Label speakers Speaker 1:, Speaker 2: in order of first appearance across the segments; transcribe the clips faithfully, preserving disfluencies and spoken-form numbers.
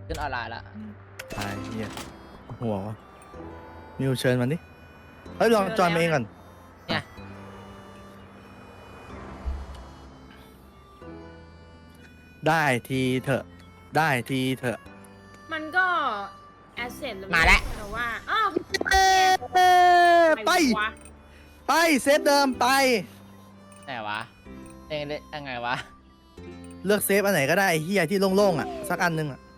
Speaker 1: ขึ้นออนไลน์ละ
Speaker 2: ตายเหี้ยหัววะมิวเชิญมันดิเฮ้ยลองจอยมาเองก่อน
Speaker 1: เนี่ย
Speaker 2: ได้ทีเถอะได้ทีเถอะ
Speaker 3: มันก็แอสเซท
Speaker 1: มาแล้ว
Speaker 3: แต่ว่าอ้าว
Speaker 2: ไปไปเซตเดิมไป
Speaker 1: ไหนวะเองเล่นยังไงวะ
Speaker 2: เลือกเซฟอันไหนก็ได้ไอ้เฮียที่โล่งๆอ่ะสักอันนึงอ่ะ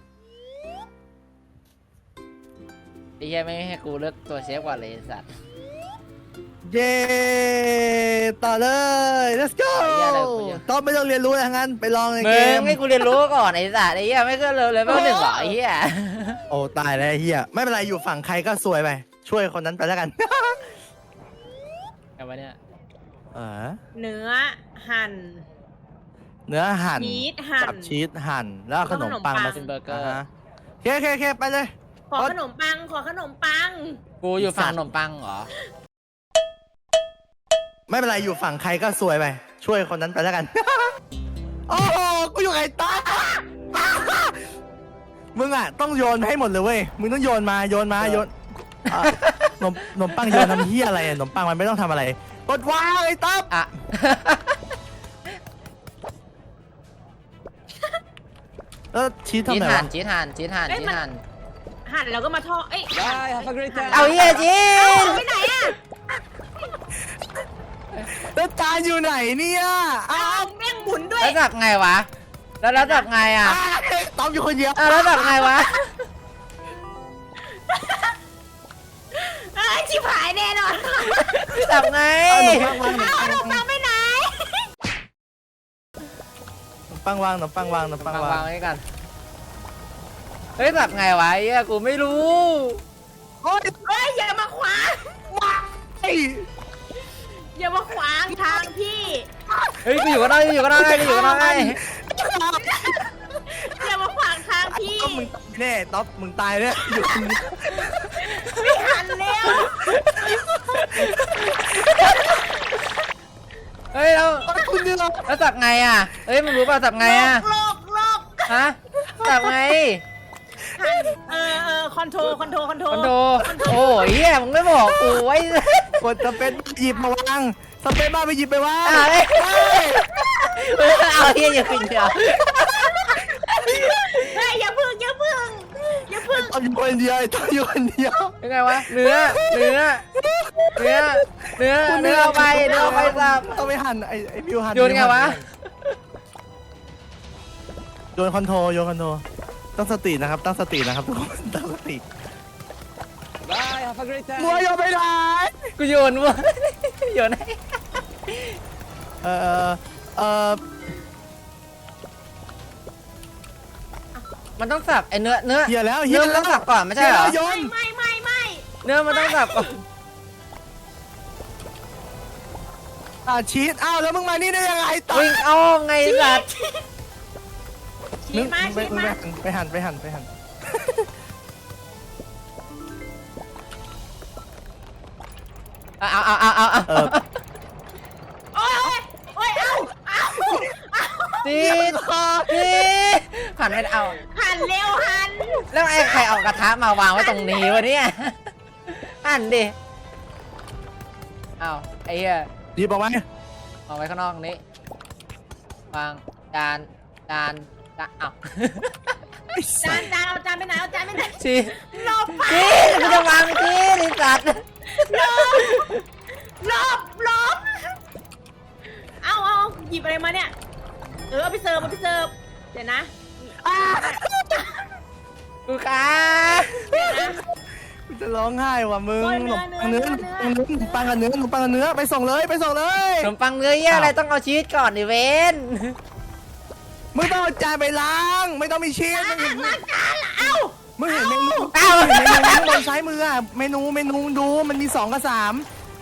Speaker 1: ไอ้เหี้ยไม่ให้กูเลือกตัวเซฟก่อนเลยสัตว์
Speaker 2: เย้ต่อเลย let's go ต้องไม่ต้องเรียนรู้อะไรทั้งนั้นไปลองในเกม
Speaker 1: มึงให้กูเรียนรู้ก่อนไอ้สัตว์ไอ้เหี้ยไม่ก็เลยเลยไม่หนึ่งหรอไอ้เหี้ย
Speaker 2: โอ้ตายแล้วไอ้เฮียไม่เป็นไรอยู่ฝั่งใครก็ซวยไปช่วยคนนั้นไปแล้วกัน
Speaker 1: ไงวะเนี่ย
Speaker 2: เออ
Speaker 3: เนื้อหั่น
Speaker 2: เนื้อหั่น
Speaker 3: ชีสหั่น
Speaker 2: กับชีสหั่นแล้วขนมปังมา
Speaker 1: เป็นเบอร์เกอร์
Speaker 2: เคเคเคไปเลย
Speaker 3: ขอขนมปังขอขนมปัง
Speaker 1: กูอยู่ฝั่งขนมปังเหรอ
Speaker 2: ไม่เป็นไรอยู่ฝั่งใครก็ซวยไปช่วยคนนั้นไปแล้วกันโอ้โหกูอยู่ไอ้ตามึงอ่ะต้องโยนให้หมดเลยเว้ยมึงต้องโยนมาโยนมาโยนขนมขนมปังโยนทำเหี้ยอะไรขนมปังมันไม่ต้องทำอะไรกดวางไอ้ต๊อบ
Speaker 1: อ่ะ
Speaker 2: เออชีสทำไงวะ
Speaker 1: จีทานจีทานจีทาน
Speaker 3: หั่นแล้วก็มาทอดเอ้ย
Speaker 1: เอาเหี้ยจี
Speaker 3: ไปไหนอ่ะ
Speaker 2: แล้วจานอยู่ไหนเนี่ย
Speaker 3: อ้าวแม่งหมุนด้วย
Speaker 1: แล้วจับไงวะแล้วแล้วจับไงอ่ะ
Speaker 2: ต๊อบอยู่คนเดียว
Speaker 1: แล้วจับไงวะ
Speaker 3: เอ้ยชิบหายแน่นอน
Speaker 1: จับไง
Speaker 3: เอาขนมปังไปไหน
Speaker 2: ขนมปังวางขนมปังวางขนมปังวาง
Speaker 1: วางไว้กันเฮ้ยจับไงวะเหี้ยกูไม่รู้
Speaker 2: โอ้ย
Speaker 3: เฮ้ยอย่ามาขวางอย่ามาขวางทางพี่
Speaker 1: เฮ้ยกูอยู่ก็ได้อยู่ก็ได้กูอยู่ก็ได้
Speaker 3: อย่ามาขวางทางพี่
Speaker 2: ต๊อบมึงแน่ต๊อบมึงตายเนี่ยอยู่
Speaker 3: ไม่หันเร็ว
Speaker 1: เฮ้ยเราแล้วจับไงอ่ะเฮ้ยมึงรู้ป่ะจับไงอ่ะ
Speaker 3: โลกโลก
Speaker 1: ฮะจับไง
Speaker 3: เออเออคอนโทรคอนโทรคอนโทร
Speaker 1: คอนโทรโอ้ยเหี้ยมึงไม่บอกกูไว้
Speaker 2: กดสเปซหยิบมาวางสเปซมาไปหยิบไปวาง
Speaker 1: เอาเหี้ยอย่าขึ้นเดียว
Speaker 3: เฮ้ยอย่าพึ่งอย่าพึ่งอย่าพึ่ง
Speaker 2: ต้องอยู่คนเดียวต้องอยู่คนเดียว
Speaker 1: ยังไงวะเนื้อเนื้อเนื้อเนื้อเนื้อไปเนื้อไปสับ
Speaker 2: ต้องไปหั่นไอ้ไอ้บิวหั่น
Speaker 1: โยนไงวะ
Speaker 2: โยนคอนโทรโยนคอนโทรตั้งสตินะครับตั้งสตินะครับทุกคนตั้งสติมัวโยนไปไหน
Speaker 1: กูโยนมัวโยนให้
Speaker 2: เออเออ
Speaker 1: มันต้องสับไอเนื้อเนื้อ
Speaker 2: เหี้ยแล้ว
Speaker 1: เนื้อมันต้องสับก่อนไม่ใช่เหรอ
Speaker 3: ไม่ไม่ไม่
Speaker 1: เนื้อมันต้องสับก่อน
Speaker 2: อ่ะชีสอ้าวแล้วมึงมานี่ได้ยังไงต่อ
Speaker 1: วิ่งเอาไงสัตว์
Speaker 3: ชีสมาชีสมา
Speaker 2: ไปหั่นไปหั่นไปหั่น
Speaker 1: เอาเอาเอาเอาเอา
Speaker 3: โอ้ยโอ้ยเอาเอา
Speaker 1: จีจีหั่นไม่เอา
Speaker 3: หั่นเร็วหั่น
Speaker 1: แล้วไอ้ใครเอากระทะมาวางไว้ตรงนี้วะเนี่ยหั่นดิเอาไอ้เหี้ย
Speaker 2: ดีบอกไว้
Speaker 1: เอาไว้ข้างนอกนี้วางจานจานจานเอา
Speaker 3: จานจานเอาจานไปไหนเอาจานไปไหน
Speaker 1: จี
Speaker 3: หลบไป
Speaker 1: จีกูจะวางจีดิสัตว์
Speaker 3: หลบหลบเอาเอาหยิบอะไรมาเนี่ยเออเอาไปเสิร์ฟเอาไปเสิร์ฟเดี๋ยวนะ
Speaker 1: กูขา
Speaker 2: จะร้องไห้ว่ะมึงขนมปังเนื้อขนมปังกับเนื้อขนมปังกับเนื้อไปส่งเลยไปส่งเลย
Speaker 1: ขนมปังเนื้อเยอะอะไรต้องเอาชีสก่อนดิเวน
Speaker 2: มึงต้องเอาจานไปล้างไม่ต้องมีชีส
Speaker 3: ล้างจานเอ้า
Speaker 2: มึงเห็นเมนูเอ้าเห็นเมนูข้างบนซ้ายมืออะเมนูเมนูดูมันมีสองกับสาม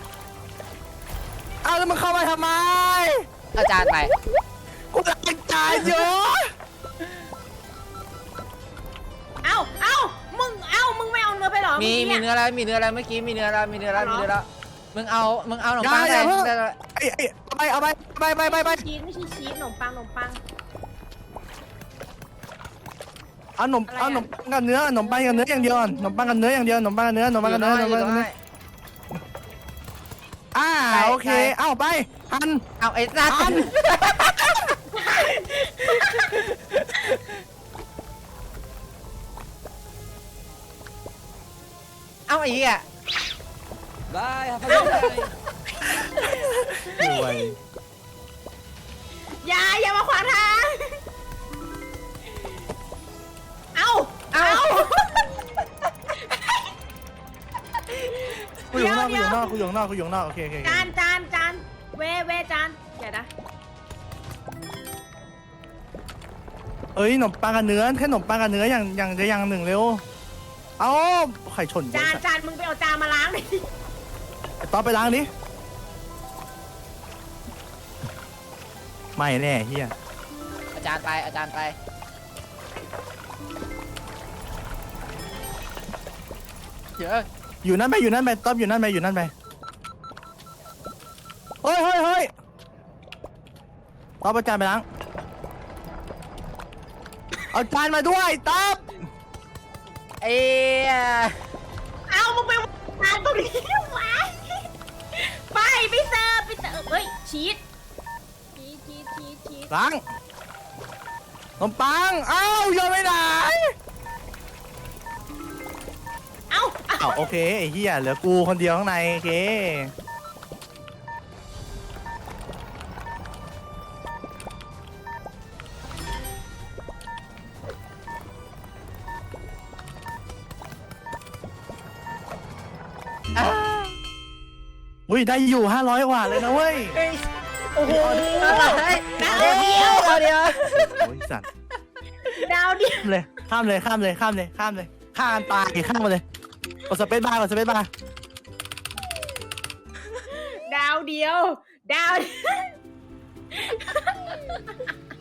Speaker 2: เอาแล้วมึงเข้ามาทำไม
Speaker 1: เอาจานไป
Speaker 2: กูล้างจานเยอะ
Speaker 3: เอ้าเอ้ามึงเอ้ามึงไม่เอาเนื้อไปหรอ
Speaker 1: มีมีเนื้อแล้วมีเนื้อแล้วเมื่อกี้มีเนื้อแล้วมีเนื้อแล้วมีเนื้อแล้วมึงเอามึงเอาขนมปังไป
Speaker 2: ไอ้ไอ้ไปเอาไปไปไปไปไป
Speaker 3: ชีสไม่ใช่ชีสขนมปังขนมปัง
Speaker 2: เอาขนมเอาขนมปังกับเนื้อขนมปังกับเนื้ออย่างเดียวขนมปังกับเนื้ออย่างเดียวขนมปังกับเนื้อขนมปังกับเนื้อขนมปังกับเนื้ออ่าโอเคเอาไปหั่น
Speaker 1: เอาไอ้สัตว์
Speaker 2: หั่น
Speaker 1: เอาไอ้เหี้ย
Speaker 4: Bye, have a good night.
Speaker 2: รวย
Speaker 3: อย่าอย่ามาขวางทางเอาเอา
Speaker 2: กูอยู่ข้างนอกกูอยู่ข้างนอกกูอยู่ข้างนอกกูอยู่ข้างนอกโอเคโอเคโอเค
Speaker 3: จานจานจานเวเวจานเดี๋ยวนะ
Speaker 2: เอ้ยขนมปังกับเนื้อแค่ขนมปังกับเนื้ออย่างอย่างจะอย่างหนึ่งเร็วเอาไข่ชน
Speaker 3: จานจานมึงไปเอาจานมาล้างดิ
Speaker 2: ต่อไปล้างดิไม่แน่เฮีย
Speaker 1: อาจารย์ไปอาจารย์ไปเยอะ
Speaker 2: อยู่นั่นไปอยู่นั่นไปต๊อบอยู่นั่นไปอยู่นั่นไปเฮ้ยเฮ้ยเฮ้ยต๊อบเอาจานไปล้างเอาจานมาด้วยต๊อบ
Speaker 1: เอ้ย
Speaker 3: เอามึงไปวางตรงนี้วะไปไปเสิร์ฟไปเสิร์ฟเฮ้ยชีสชีสชีสชีสชีส
Speaker 2: ล้างขนมปังเอ้าโยนไม่ได้
Speaker 3: เอาเอา
Speaker 2: อ้าวโอเคไอ้เหี้ยเหลือกูคนเดียวข้างในโอเคอุ้ยได้อยู่ห้าร้อยกว่าเลยนะเว้ย
Speaker 1: โอ้โหอะไรดาวเดียวดาวเดียว
Speaker 2: โอ้ยสัตว์
Speaker 3: ดาวเดียว
Speaker 2: ข้ามเลยข้ามเลยข้ามเลยข้ามเลยข้ามเลยข้ามตายข้ามมาเลยกดสเปซบาร์กดสเปซบาร์
Speaker 3: ดาวเดียวดาว